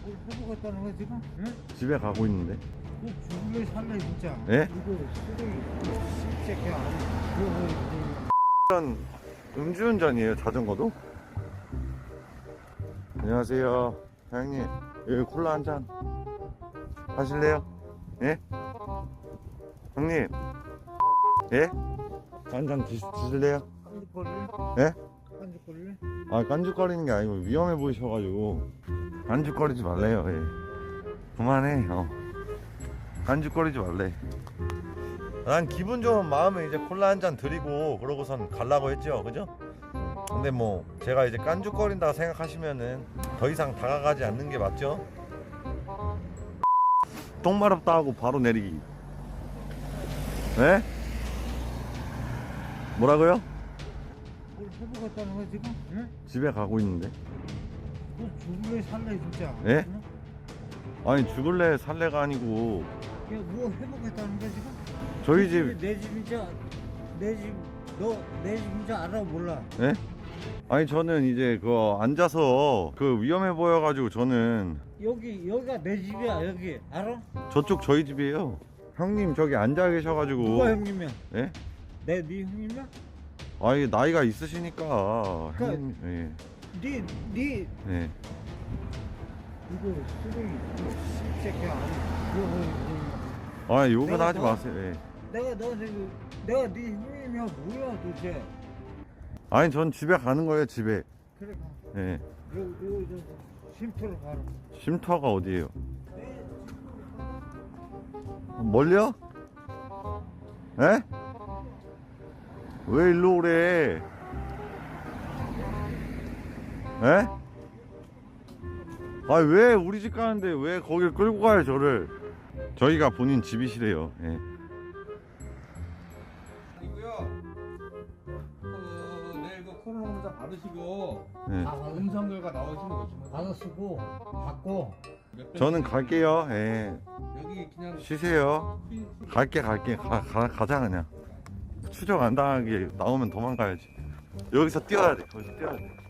해보겠다는 거 지금? 응? 집에 가고 있는데. 너 죽을래 살래 진짜? 예? 이거 쓰레기 새끼야. 이거 이건 음주운전이에요, 자전거도? 안녕하세요, 사장님. 여기 콜라 한 잔 하실래요? 예? 형님, 예? 한 잔 드실래요? 깐죽거릴래? 예? 깐죽거릴래? 아, 깐죽거리는 게 아니고 위험해 보이셔가지고 깐죽거리지 말래요. 예. 그만해. 깐죽거리지 말래. 난 기분 좋은 마음에 이제 콜라 한 잔 드리고 그러고선 가려고 했죠, 그죠? 근데 뭐 제가 이제 깐죽거린다 생각하시면은 더 이상 다가가지 않는 게 맞죠? 똥 마렵다 하고 바로 내리기. 네? 뭐라고요? 뭘 해보겠다는 거 지금? 응? 집에 가고 있는데. 너 죽을래 살래 진짜? 예? 응? 아니, 죽을래 살래가 아니고 야, 뭐 해보겠다는 거 지금? 저희 집. 내 집인지 내 집, 너 내 집인지 알아 몰라? 예? 아니, 저는 이제 그 앉아서 그 위험해 보여가지고 저는 여기가 내 집이야 여기 알아? 저쪽 저희 집이에요. 형님 저기 앉아 계셔가지고. 누가 형님이야? 예? 네 형님이야? 아니, 나이가 있으시니까. 그러니까 형님, 예. 네 예. 이거 쓰레기 새끼야. 이거 아, 욕은 내가 하지 너- 마세요. 예. 내가 네 형님이야 뭐야 도대체? 아니, 전 집에 가는 거예요, 집에. 그래 가. 예. 요 쉼터로 가라. 쉼터가 어디예요? 네. 멀려? 예? 왜 일로 오래? 예? 아, 왜 우리 집 가는데 왜 거길 끌고 가요, 저를? 저희가 본인 집이시래요. 예. 이고요. 내일 그 코로나 검사 받으시고 예. 음성 결과 나오시는 거죠. 받아 쓰고 받고 저는 갈게요. 예. 여기 그냥 쉬세요. 갈게. 가자, 그냥. 추적 안 당하게 나오면 도망가야지. 여기서 뛰어야 돼. 거기서 뛰어야 돼.